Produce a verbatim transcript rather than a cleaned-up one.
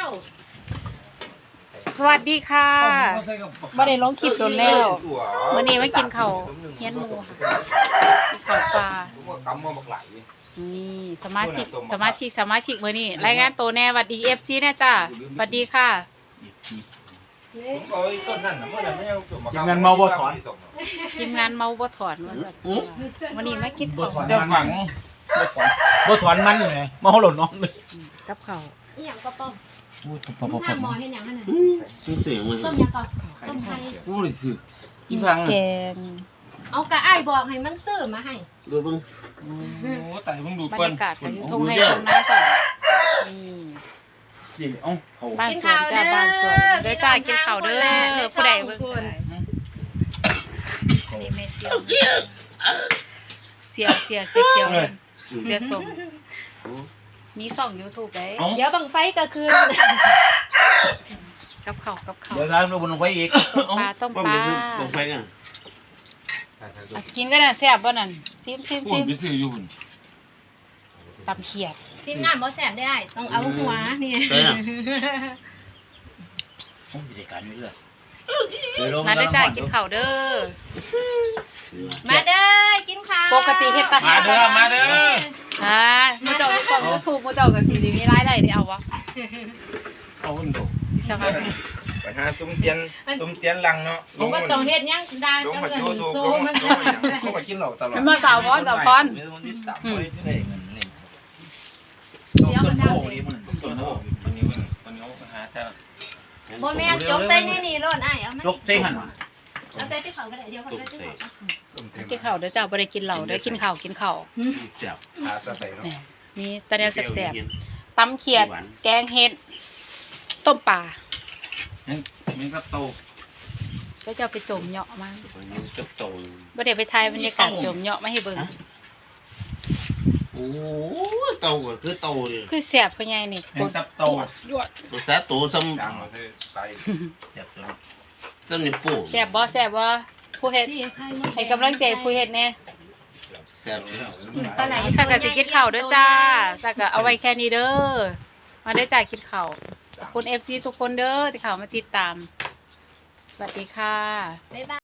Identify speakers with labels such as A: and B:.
A: า
B: สวัสดีค่ะบ่ได้ลงคลิปโดนแล้วมื้อนี้มากินข้าวเฮียนหมูค่ะกินข้าวปลานี่สมาชิกสมาชิกสมาชิกมื้อนี้รายงานตัวแน่สวัสดี เอฟ ซี แน่จ้าสวัสดีค่ะ
C: ทีมงานเมาบ่ถอน
B: ทีมงานเมาบ่ถอนว่าซั่นวันนี้มากินข้าว
C: เดี๋ยวฝังบ่ถอนบ่ถอนมันแหมเมาหล่นน้องเลย
B: กับข้าว
A: อีหยังก็ต้ม
C: โอ้ยพอ
A: มึง
C: ๆ
A: ทำหมอเฮ็ดหยังนั่นน่ะ
D: ชื่อเสียงมัน
A: ต้มหยังก่อนต้มไข่
C: ๆกูเลยซื้ออีฟัง
B: แกง
A: เอากะอ้ายบอกให้มันซื้อมาให้
D: ดูเบิ่ง
C: โอ้ตายเพิ่งดู
B: บร
C: ก่อน
B: รยากาศก็อยู่ทุ่งไร่ทุ่งนาสั่นนี่
C: นี่เอ้าเขา
B: บ้านสวนจ้าบ้านสวนเด้อจ้ากินข้าวเด้อผู้ใดเบิ่งก็ได้อันนี้แม่เสียวเสียวเสียเสียเขียวเสียส้มมีสอง YouTube ได้
A: เดี๋ยวบังไฟก็คืน
B: กับข้าวกับข้าว
C: เดี๋ยวร้านเราบนลงไฟอีก
B: ปลาต้ม
D: ว่า
B: ป
D: มั
B: ลาน
D: คือลงไฟกัน
B: อ่ะกินก็น่ะแซ่บบ่นั่นซิมซิม
C: พู
B: ซิ
C: ด
B: ม
C: ไปซื้ออยู่หุ่น
B: ตำเขียด
A: ซิมน้ำบ่แซ่บได้อ้ายต้องเอาหัวนี่
D: ใช่น่ะ
C: โอ้ยรายการอยู่เด้อ
B: มาเด้อจ้ากินข้าวเด้อ
A: มาเด้อกินข้าว
B: ปกติเฮ็ดปลา
C: มาเด้อมาเด้อ
B: อ่ามื้อเจ้าอยู่ช่อง YouTube มื้อเจ้าก็สิได้มีรายได้ได้เอาวะ
C: เอาหุ่นดู
B: สวัสดี
E: ไปหาตุ้มเตียนตุ้มเตียนลังเนาะ
A: ผมบ่ต้องเฮ็ดหยังดา
E: ลง
A: จัง
E: มา
A: ซั่น
E: โชว์โชว์
A: โซ
E: ลง
A: มั
E: มาน โชว์อย่างเขามากินเหล้าตลอด
B: มาสาวพรสาวพร
E: ไม่ต้องติดตามไว้ที่ไหนเงินนี่
A: เดี๋ยวมันดาว
C: นี่มันต้นโอ้มันนี้มันมันนี้มันหาจ้า
A: บ่แม่นจกใส่นี่นี่โลดอ้ายเอามาย
C: กเส้นหัน
A: เอาใส่ที่เขาก็ได้เดี๋ยวเขาใส่ที่เขา
E: ตุ้มเตียน
B: กินข้าวเด้อจ้าบ่ได้กินเหล้าเด้อกินข้าวกินข้าว
D: เสียบ
E: หาตะใส่เนาะ
B: นี่มีแตะแนวแซ่บๆตำเขียดแกงเห็ดต้มปลา
C: มันก็โต
B: ก็จะเอาไปจมเหยาะมา
D: จับโต
B: บ่ได้ไปถ่ายบรรยากาศจมเหยาะมาให้เบิ่ง
D: โอ้โตก็คือโตเลย
B: คือแซ่บคือใหญ่นี่
C: เห็นกับโต
B: ยวด
D: ตัวแท้โตซ้
E: ดังเราคือไต
D: ำเสียบตัวซ้ำนี่ปู
B: แซ่บบ่แซ่บบ่ผู้เฮ็ด
A: นี่ไข่มด
B: ให้กำลังใจผู้เฮ็ดแน่
D: เสียบ
A: ปลาไหล
B: สักก็สิกินข้าวเด้อจ้าสักก็เอาไว้แค่นี้เด้อมาได้อจ้ากินข้าวขอบคุณ เอฟ ซี ทุกคนเด้อที่เข้ามาติดตามสวัสดีค่ะ
A: บ๊ายบาย